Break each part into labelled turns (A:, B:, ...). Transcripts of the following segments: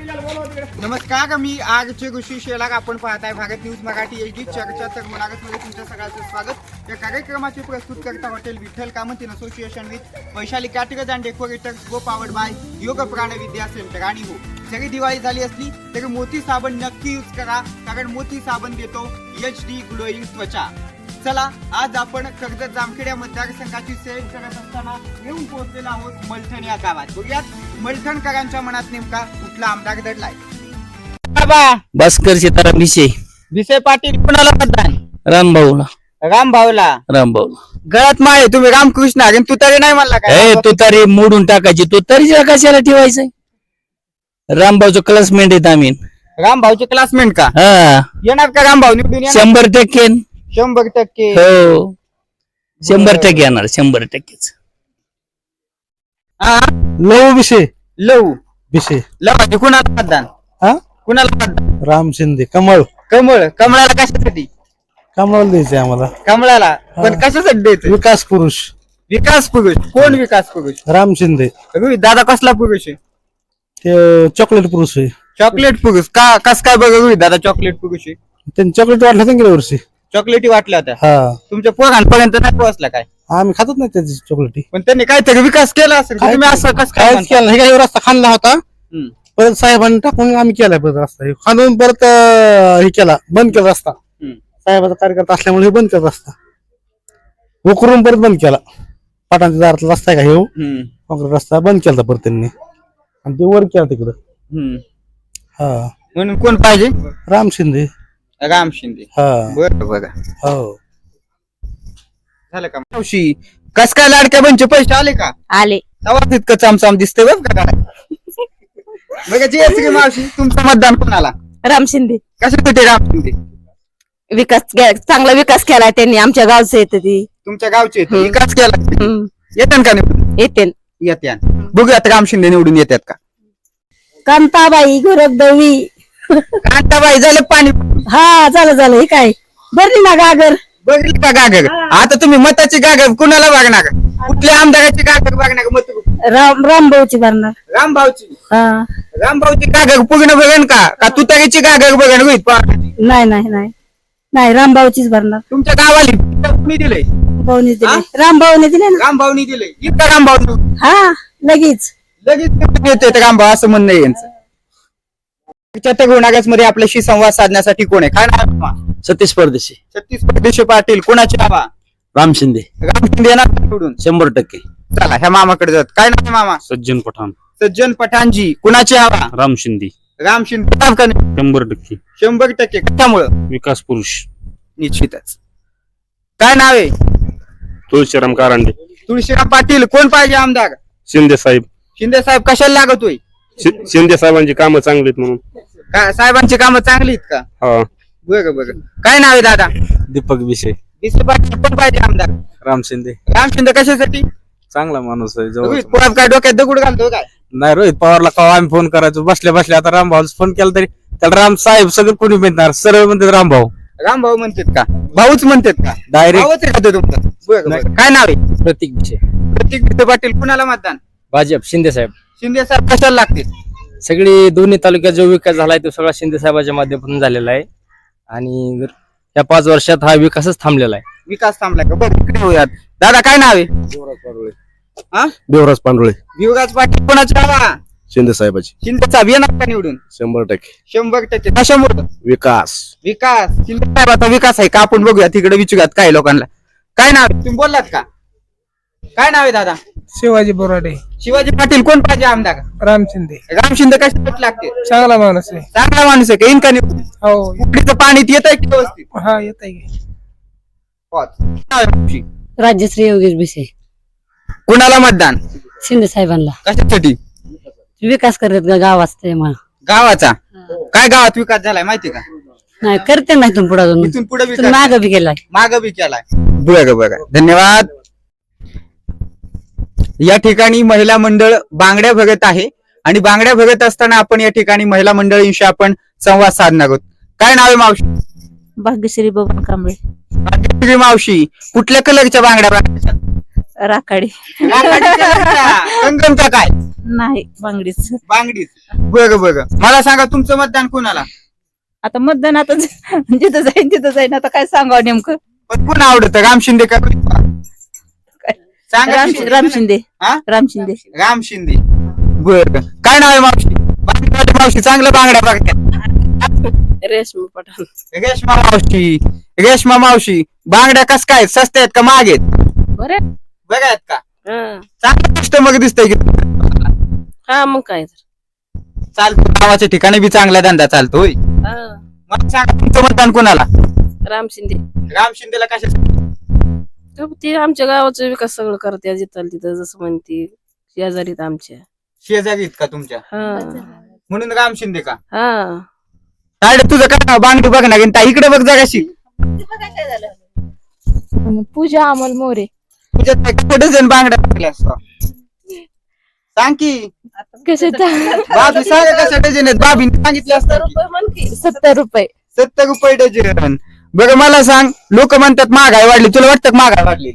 A: नमस्कार, मी आजचे ऋषी शेलार. आपण पाहताय भारत न्यूज मराठी HD चर्चा. तर मुलाखतमध्ये तुमच्या सगळ्यांचं स्वागत. या कार्यक्रमाचे प्रस्तुत करता hotel Vitthal Kamat in association with Vaishali caterers and decorators go powered by Yog Pran Vidya centre. आणि हो, जरी दिवाळी झाली असली तरी मोती साबण नक्की यूज करा, कारण मोती साबण देतो HD ग्लोईंग त्वचा. चला, आज आपण कर्जत जामखेड या मतदारसंघाची सेल करत असताना येऊन पोहोचलेलो आहोत मलठण या गावात. बघूयात मलठणकरांच्या मनात नेमका कुठला आमदार दडलाय.
B: भास्कर सीताराम
A: भिसे पाटील कुणाला मतदान?
B: रामभाऊला
A: रामभाऊला. गळ्यात माळे तुम्ही रामकृष्ण आणि तू तरी नाही म्हणला काय?
B: तू तरी मोडून टाकायची, तू तरी कशाला ठेवायचंय? रामभाऊचं क्लासमेट आहेत आम्ही.
A: रामभाऊचे क्लासमेट का?
B: हा,
A: येणार का रामभाऊ निवडून?
B: 100%
A: 100%.
B: हो, 100% येणार, 100%.
C: लव विषय
A: लव
C: विषय
A: लव कुणाला मतदान?
C: हा,
A: कुणाला मतदान?
C: राम शिंदे. कमळ
A: कमळाला कशासाठी?
C: कमळ द्यायचंय आम्हाला.
A: कमळाला पण कशासाठी द्यायचं?
C: विकास पुरुष
A: विकास पुरुष. कोण विकास पुरुष?
C: राम शिंदे.
A: रोहित दादा कसला पुरुष आहे?
C: ते चॉकलेट पुरुष आहे.
A: चॉकलेट पुरुष का? कस काय बघा रोहित दादा चॉकलेट पुरुष आहे?
C: त्यांनी चॉकलेट वाटलं होतं गेल्या वर्षी.
A: चॉकलेटी वाटल्या होत्या.
C: हा,
A: तुमच्या पोरांपर्यंत नाही पोहोचला काय?
C: आम्ही खातच नाही त्याची चॉकलेटी.
A: पण त्यांनी काहीतरी विकास केला असेल. तुम्ही असं कसं काय
C: काहीच
A: म्हणता?
C: केलं नाही. काही रस्ता खाल्ला होता,
A: हम्म.
C: परत साहेबांनी टाकून आम्ही केलाय परत रस्ता. हे खाणून परत हे केला, बंद केला रस्ता.
A: हम्म.
C: साहेबाचा कार्यकर्ता असल्यामुळे हे बंद केला रस्ता. उकरून परत बंद केला. पाटांच्या दारातला रस्ता आहे का हे
A: हम्म.
C: काँक्रीट रस्ता बंद केला परत त्यांनी, आणि ते वर केला तिकडं.
A: हम्म.
C: हा,
A: म्हणून कोण पाहिजे?
C: राम शिंदे.
A: राम शिंदे.
C: हा,
A: बरं बघा.
C: हो.
A: झालं का मावशी? कस काय लाडक्या बंचे पैसे आले का?
D: आले.
A: तेव्हा तितकं चामचाम दिसतंय बघ का काय? बघा जी मावशी, तुमचं मतदान कोणाला?
D: राम शिंदे.
A: कशासाठी राम शिंदे?
D: चांगला विकास केलाय त्यांनी. आमच्या गावचं येत ती.
A: तुमच्या गावचे आहेत.
D: हम्म.
A: विकास केला. येतात का निवडून?
D: येते.
A: येत्यान. बघूयात राम शिंदे निवडून येतात का?
D: कांताबाई गोरखदेवी.
A: कांताबाई झालं पाणी.
D: हा, झालं हे काय बरली ना गागर.
A: बघितलं का गागर? आता तुम्ही मताची गागर कुणाला बघणार? कुठल्या आमदाराची गागर बघणार? मत
D: रामभाऊची भरणार.
A: रामभाऊची.
D: हा,
A: रामभाऊची गागर पूर्ण बघेन का तुतारीची गागर बघेन? रोहित पवार.
D: नाही रामभाऊचीच भरणार.
A: तुमच्या गावाली कुणी दिलंय?
D: भाऊनी दिले. रामभाऊने दिले ना.
A: रामभाऊनी दिलंय. इतका रामभाऊ
D: हा, लगेच
A: येते रामभाऊ असं म्हणणं आहे यांचं. मध्ये आपल्याशी संवाद साधण्यासाठी कोण आहे? काय नाव?
B: सतीश परदेशी.
A: छत्तीस परदेशी पाटील. कोणाची हवा?
B: राम शिंदे.
A: राम शिंदे येणार निवडून?
B: 100%.
A: चला, ह्या मामाकडे जात. काय नाव आहे मामा?
B: सज्जन पठाण.
A: सज्जन पठाणजी. कुणाची हवा?
B: राम शिंदे.
A: राम शिंदे.
B: 100%.
A: 100%. कशामुळं?
B: विकास पुरुष.
A: निश्चितच. काय नाव आहे?
B: तुळशीराम कारंडे.
A: तुळशीराम पाटील. कोण पाहिजे आमदार?
B: शिंदे साहेब.
A: शिंदे साहेब. कशाला लागतोय?
B: शिंदे साहेबांची कामं चांगली आहेत म्हणून.
A: काय साहेबांची कामं चांगली आहेत का?
B: हा.
A: बरं. काय नाव आहे दादा?
B: दीपक विषय.
A: भिसे पाटील. कोण पाहिजे आमदार?
B: राम शिंदे.
A: राम शिंदे. कशासाठी?
B: चांगला माणूस आहे.
A: रोहित पवार काय डोक्यात दगड घालतो काय?
B: नाही, रोहित पवारला कवा आम्ही फोन करायचो बसल्या आता रामभाऊ फोन केला तरी त्याला राम साहेब सगळं कोणी म्हणणार, सरळ म्हणतात रामभाऊ.
A: रामभाऊ म्हणतात का? भाऊच म्हणतात का?
B: डायरेक्ट.
A: भाऊच आहे का तो तुमचा? बरं. काय नाव आहे?
B: प्रतीक विषय.
A: प्रतीक भिसे पाटील. कुणाला मतदान?
B: भाजप. शिंदे साहेब.
A: शिंदे साहेब. कशाला लागतील?
B: सगळी दोन्ही तालुक्यात जो विकास झालाय तो सगळा शिंदे साहेबांच्या माध्यमातून झालेला आहे, आणि या 5 वर्षात हा विकासच थांबलेला आहे.
A: विकास थांबला का? बरं, इकडे होऊयात. दादा काय नाव आहे? हा?
C: देवराज पांडुळे.
A: युवराज पाटील. कोणाची हवा?
C: शिंदे साहेबाची.
A: शिंदे साहेब येणार का निवडून?
C: 100%.
A: 100%. कशामुळे?
C: विकास.
A: विकास. शिंदे साहेबाचा विकास आहे का? आपण बघूया तिकडे, विचारूयात काही लोकांना. काय नाव आहे? तुम्ही बोललात का? काय नाव आहे दादा?
E: शिवाजी बोराडे.
A: शिवाजी पाटील. कोण पाहिजे आमदार?
E: राम शिंदे.
A: राम शिंदे कशासाठी लागते?
E: चांगला माणूस आहे.
A: चांगला माणूस आहे का? येईन का निवडून?
E: हो.
A: उकडीचं पाणी येत आहे की व्यवस्थित?
E: हा, येत आहे.
A: नाव आहे तुमची?
D: राज्यश्री योगेश भिसे.
A: कुणाला मतदान?
D: शिंदे साहेबांना.
A: कशासाठी?
D: विकास करत गावात.
A: गावाचा. काय गावात विकास झालाय माहिती का?
D: नाही करते नाही तुम पुढे अजून.
A: इथून पुढे विकास
D: माग बी केलाय.
A: माग बी केलाय. बरं. धन्यवाद. या ठिकाणी महिला मंडळ बांगड्या भरत आहे, आणि बांगड्या भरत असताना आपण या ठिकाणी महिला मंडळींशी आपण संवाद साधणार आहोत. काय नाव आहे मावशी?
D: भाग्यश्री बबन कांबळे.
A: भाग्यश्री मावशी. कुठल्या कलरच्या बांगड्या?
D: राखाडी.
A: कंगन का काय?
D: नाही बांगडीच.
A: बांगडीच. बरं मला सांगा तुमचं मतदान कोणाला?
D: आता मतदान आता जिथं जाईन आता काय सांगावं नेमकं.
A: पण कोण आवडतं, राम शिंदे का सांगा की.
D: राम शिंदे.
A: हा?
D: राम शिंदे.
A: राम शिंदे. बर काय नाव आहे मावशी? बांगड्यावाली मावशी चांगलं बांगड्या बघतात.
D: रेशमी पठाण.
A: रेशमा मावशी बांगड्या कस काय, सस्त्या आहेत का महाग आहेत?
D: बरं.
A: बघा आहेत का? चांगलं कस्टमर दिसतंय की.
D: हा मग काय
A: चालतो, गावाच्या ठिकाणी बी चांगला धंदा चालतो होय. मला सांगा तुमचं मतदान कोणाला?
D: राम शिंदे.
A: राम शिंदेला कशा?
D: ते आमच्या गावाचा विकास सगळं करते जिथं तिथं जसं म्हणते शेजारीत आमच्या.
A: शेजारी आहेत का तुमच्या? म्हणून राम शिंदे का?
D: हा.
A: तायडे तुझं काय नाव? बांगडी बघ ना इकडे बघ जगाशी.
D: पूजा अमोल मोरे.
A: तुझ्यात काय डझन बांगड्या टाकल्या सांग की. बाबी सांग कशा डझन आहेत? बाबीने सांगितले असतात.
D: 70 रुपये.
A: 70 रुपये डझन. बघ मला सांग, लोक म्हणतात महागाई वाढली, तुला वाटतं का महागाई वाढली?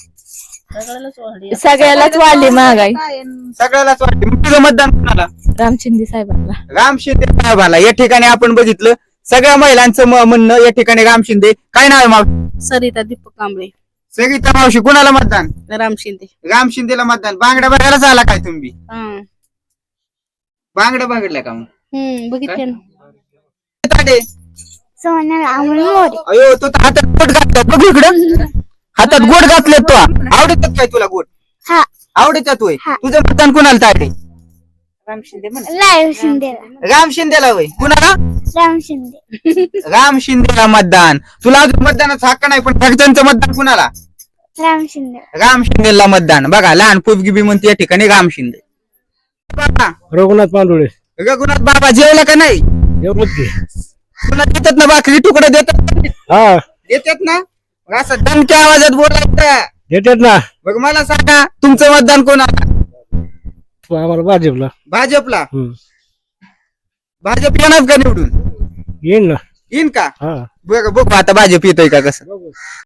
D: सगळ्यालाच वाढली महागाई.
A: सगळ्यालाच वाटली. मग तुझं मतदान कोणाला?
D: राम शिंदे साहेबांना.
A: राम शिंदे साहेबाला. या ठिकाणी आपण बघितलं सगळ्या महिलांचं म्हणणं या ठिकाणी राम शिंदे. काय नाव आहे मावशी?
D: सरिता दीपक कांबळे.
A: सरिता मावशी कोणाला मतदान?
D: राम शिंदे.
A: राम शिंदेला मतदान. बांगड्या बघायलाच आला काय तुम्ही? बांगड्या बघितल्या का मग?
D: बघितले
A: ताडे. अयो तो तर हातात गोट घातला बघ इकडं. हातात गोट घातले तो. आवडतात काय तुला गोट? आवडतात होय. तुझं मतदान कोणाला ताडे?
D: राम शिंदे
A: राम शिंदेला होय. कुणाला? राम शिंदेला मतदान. तुला अजून मतदानाचा हक्क नाही, पण घरच्यांचं मतदान कुणाला? राम शिंदेला मतदान. बघा लहान पोपगी बी म्हणते या ठिकाणी राम शिंदे. बाबा
C: रघुनाथ पांडुळे
A: रघुनाथ बाबा जेवला का नाही? तुला देतात ना भाकरी तुकडं देतात?
C: हा
A: देतात ना? मग असं दणक्या आवाजात बोलायचं.
C: देतात ना.
A: बघ मला सांगा तुमचं मतदान कोणाला?
C: आम्हाला भाजपला.
A: भाजपला. भाजप येणार का निवडून?
C: येईन ना.
A: येईन का?
C: हा
A: बघ बघ आता भाजप येतोय का कसं.